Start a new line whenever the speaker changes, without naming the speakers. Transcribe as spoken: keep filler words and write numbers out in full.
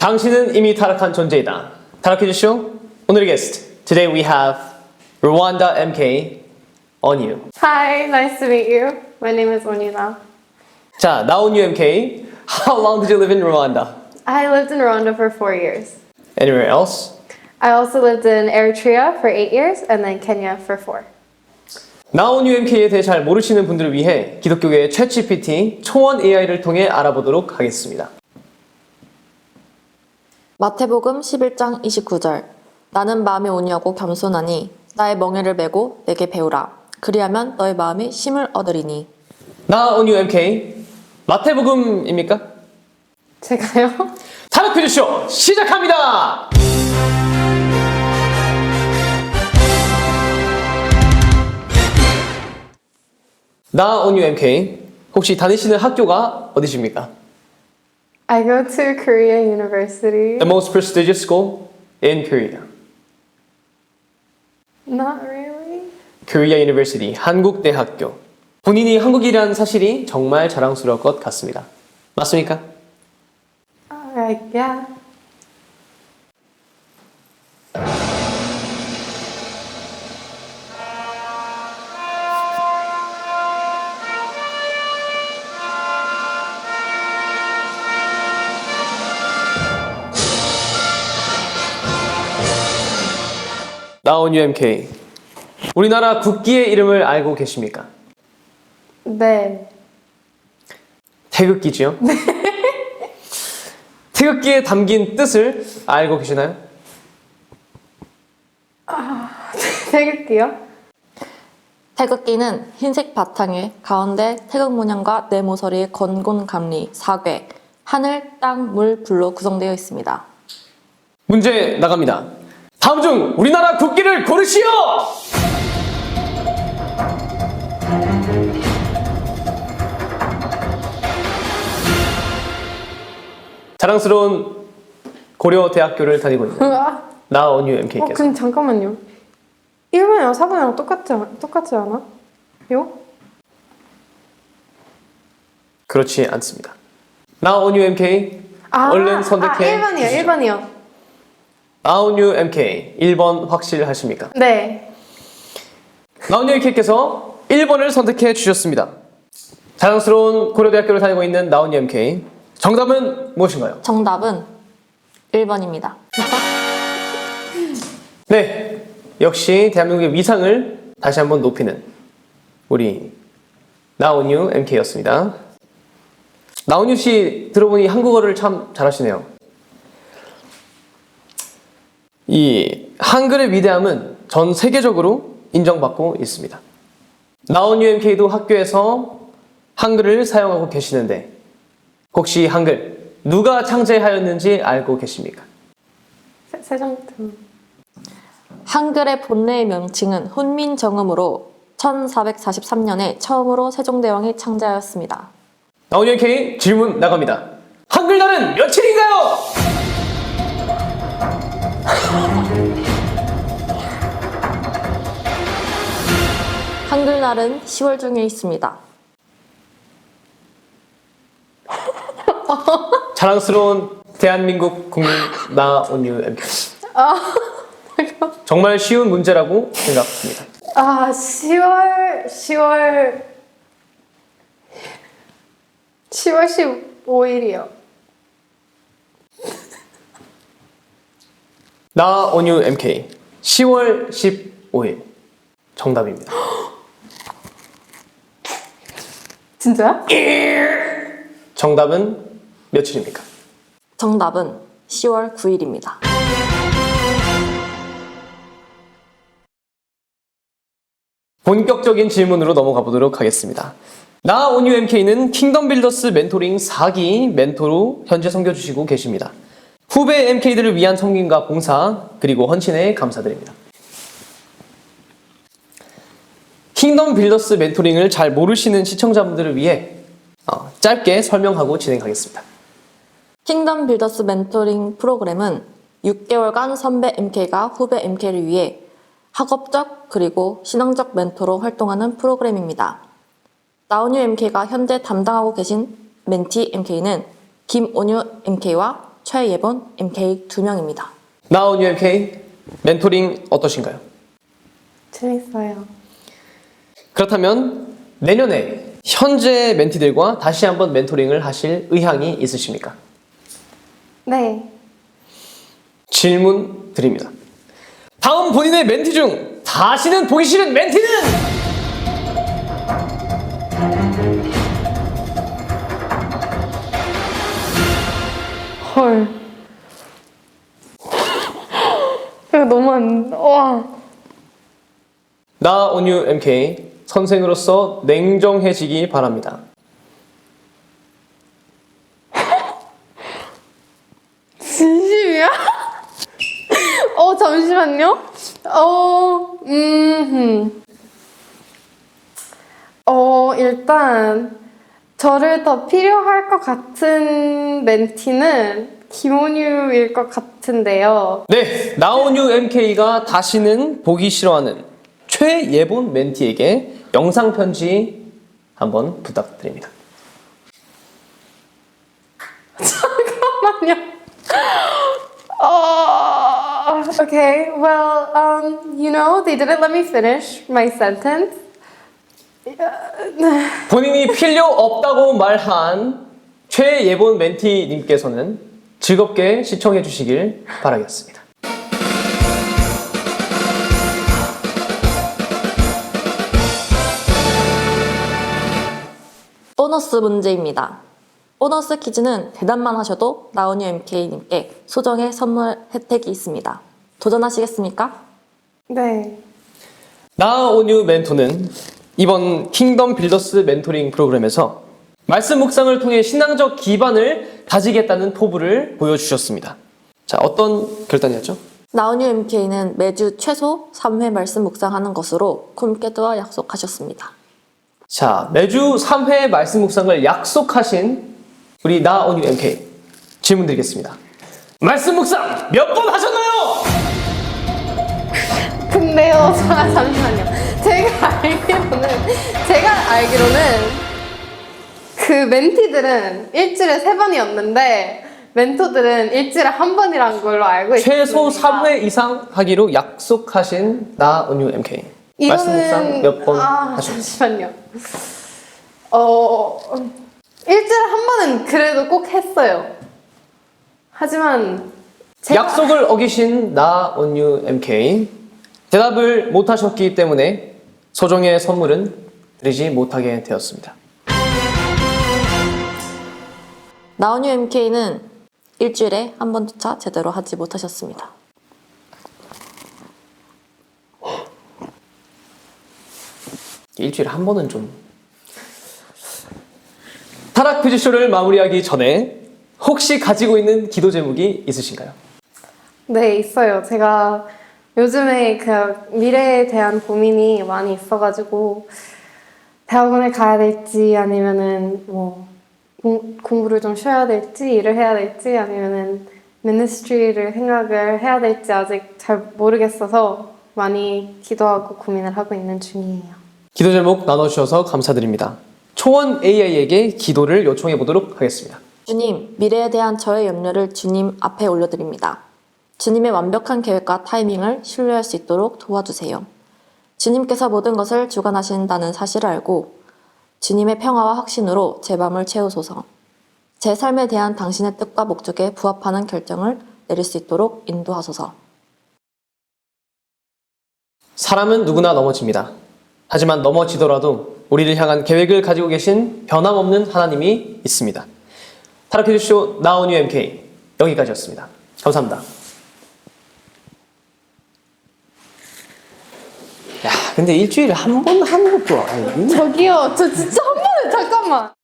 당신은 이미 타락한 존재이다. 타락해 주시오. 오늘의 게스트. Today we have Rwanda 엠케이 Onyu.
Hi, nice to meet you. My name is Onila.
자, now Onyu 엠케이. How long did you live in Rwanda?
I lived in Rwanda for four years.
Anywhere else?
I also lived in Eritrea for eight years and then Kenya for four.
now Onyu 엠케이에 대해 잘 모르시는 분들을 위해 기독교계의 챗지피티 초원 에이아이를 통해 알아보도록 하겠습니다.
마태복음 십일 장 이십구 절 나는 마음이 온유하고 겸손하니 나의 멍에를 메고 내게 배우라. 그리하면 너의 마음이 쉼을 얻으리니.
now Onyu 엠케이. 마태복음입니까?
제가요?
타락해 주시오. 시작합니다. now Onyu 엠케이. 혹시 다니시는 학교가 어디십니까?
I go to Korea University.
The most prestigious school in Korea.
Not really.
Korea University, 한국대학교. 본인이 한국이라는 사실이 정말 자랑스러울 것 같습니다. 맞습니까?
Alright, yeah.
now Onyu 엠케이. 우리나라 국기의 이름을 알고 계십니까?
네.
태극기지요? 네. 태극기에 담긴 뜻을 알고 계시나요?
태극기요?
태극기는 흰색 바탕에 가운데 태극 문양과 네 모서리의 건곤 감리, 사괴, 하늘, 땅, 물, 불로 구성되어 있습니다.
문제 나갑니다. 다음 중 우리나라 국기를 고르시오! 자랑스러운 고려대학교를 다니고 있는
으아.
now Onyu
어,
엠케이께서
근데 잠깐만요. 일 번이랑 사 번이랑 똑같지, 않- 똑같지 않아? 요?
그렇지 않습니다. now Onyu 엠케이.
아,
얼른 선택해
아, 일 번이요,
주시죠.
일 번이요.
now Onyu 엠케이 일 번 확실하십니까?
네.
now Onyu 엠케이께서 일 번을 선택해 주셨습니다. 자랑스러운 고려대학교를 다니고 있는 now Onyu 엠케이. 정답은 무엇인가요?
정답은 일 번입니다.
네, 역시 대한민국의 위상을 다시 한번 높이는 우리 now Onyu 엠케이였습니다. now Onyu 씨 들어보니 한국어를 참 잘하시네요. 이 한글의 위대함은 전 세계적으로 인정받고 있습니다. now Onyu 엠케이도 학교에서 한글을 사용하고 계시는데 혹시 한글 누가 창제하였는지 알고 계십니까?
세, 세종대왕.
한글의 본래의 명칭은 훈민정음으로 천사백사십삼 년에 처음으로 세종대왕이 창제하였습니다.
now Onyu 엠케이 질문 나갑니다. 한글날은 며칠인가요?
한글날은 시월 중에 있습니다.
자랑스러운 대한민국 국민 now Onyu 엠케이. 정말 쉬운 문제라고 생각합니다.
아, 시월, 시월, 시월 십오일이요.
now Onyu 엠케이 시월 십오일 정답입니다.
진짜요?
정답은 며칠입니까?
정답은 시월 구일입니다.
본격적인 질문으로 넘어가 보도록 하겠습니다. now Onyu 엠케이는 킹덤 빌더스 멘토링 사 기 멘토로 현재 섬겨주시고 계십니다. 후배 엠케이들을 위한 섬김과 봉사 그리고 헌신에 감사드립니다. 킹덤 빌더스 멘토링을 잘 모르시는 시청자분들을 위해 어, 짧게 설명하고 진행하겠습니다.
킹덤 빌더스 멘토링 프로그램은 육 개월간 선배 엠케이가 후배 엠케이를 위해 학업적 그리고 신앙적 멘토로 활동하는 프로그램입니다. 나온유 엠케이가 현재 담당하고 계신 멘티 엠케이는 김온유 엠케이와 최예본 엠케이 두 명입니다.
나온 유엠케이 멘토링 어떠신가요?
재밌어요.
그렇다면 내년에 현재 멘티들과 다시 한번 멘토링을 하실 의향이 있으십니까?
네.
질문 드립니다. 다음 본인의 멘티 중 다시는 보기 싫은 멘티는?
헐. 이거 너무 안, 와.
나 온유 엠케이 선생으로서 냉정해지기 바랍니다.
진심이야? 어, 잠시만요. 어, 음, 어, 일단, 저를 더 필요할 것 같은 멘티는 김온유일 것 같은데요.
네, 나온유 엠케이가 다시는 보기 싫어하는 최예본 멘티에게 영상 편지 한번 부탁드립니다.
잠깐만요. 어, okay, well, um, you know, they didn't let me finish my sentence.
본인이 필요 없다고 말한 최예본 멘티님께서는 즐겁게 시청해 주시길 바라겠습니다.
보너스 문제입니다. 보너스 퀴즈는 대답만 하셔도 나온유 엠케이님께 소정의 선물 혜택이 있습니다. 도전하시겠습니까?
네.
나온유 멘토는 이번 킹덤 빌더스 멘토링 프로그램에서 말씀 묵상을 통해 신앙적 기반을 다지겠다는 포부를 보여주셨습니다. 자, 어떤 결단이었죠?
나온유 엠케이는 매주 최소 삼 회 말씀 묵상하는 것으로 콤캐드와 약속하셨습니다.
자, 매주 삼 회 말씀 묵상을 약속하신 우리 나온유 엠케이 질문 드리겠습니다. 말씀 묵상 몇 번 하셨나요?
근데요, 자, 잠시만요. 제가 알기로는, 제가 알기로는 그 멘티들은 일주일에 세 번이었는데, 멘토들은 일주일에 한 번이란 걸로 알고 있습니다.
최소 삼 회 이상 하기로 약속하신 나온유 엠케이. 말씀 묵상 몇 번
아,
하셨나요?
잠시만요. 어, 일주일에 한 번은 그래도 꼭 했어요. 하지만 제가
약속을 어기신 나온유 엠케이. 대답을 못하셨기 때문에 소정의 선물은 드리지 못하게 되었습니다.
나온유 엠케이는 일주일에 한 번조차 제대로 하지 못하셨습니다.
일주일에 한 번은 좀. 타락 퀴즈쇼를 마무리하기 전에 혹시 가지고 있는 기도 제목이 있으신가요?
네, 있어요. 제가 요즘에 그 미래에 대한 고민이 많이 있어가지고 대학원을 가야 될지 아니면은 뭐 공, 공부를 좀 쉬어야 될지 일을 해야 될지 아니면은 미니스트리를 생각을 해야 될지 아직 잘 모르겠어서 많이 기도하고 고민을 하고 있는 중이에요.
기도 제목 나눠주셔서 감사드립니다. 초원 에이아이에게 기도를 요청해 보도록 하겠습니다.
주님, 미래에 대한 저의 염려를 주님 앞에 올려드립니다. 주님의 완벽한 계획과 타이밍을 신뢰할 수 있도록 도와주세요. 주님께서 모든 것을 주관하신다는 사실을 알고 주님의 평화와 확신으로 제 마음을 채우소서. 제 삶에 대한 당신의 뜻과 목적에 부합하는 결정을 내릴 수 있도록 인도하소서.
사람은 누구나 넘어집니다. 하지만 넘어지더라도 우리를 향한 계획을 가지고 계신 변함없는 하나님이 있습니다. 타락 퀴즈쇼 나온유 엠케이 여기까지였습니다. 감사합니다. 야, 근데 일주일에 한 번 하는 것도 아니고.
저기요, 저 진짜 한 번에 잠깐만.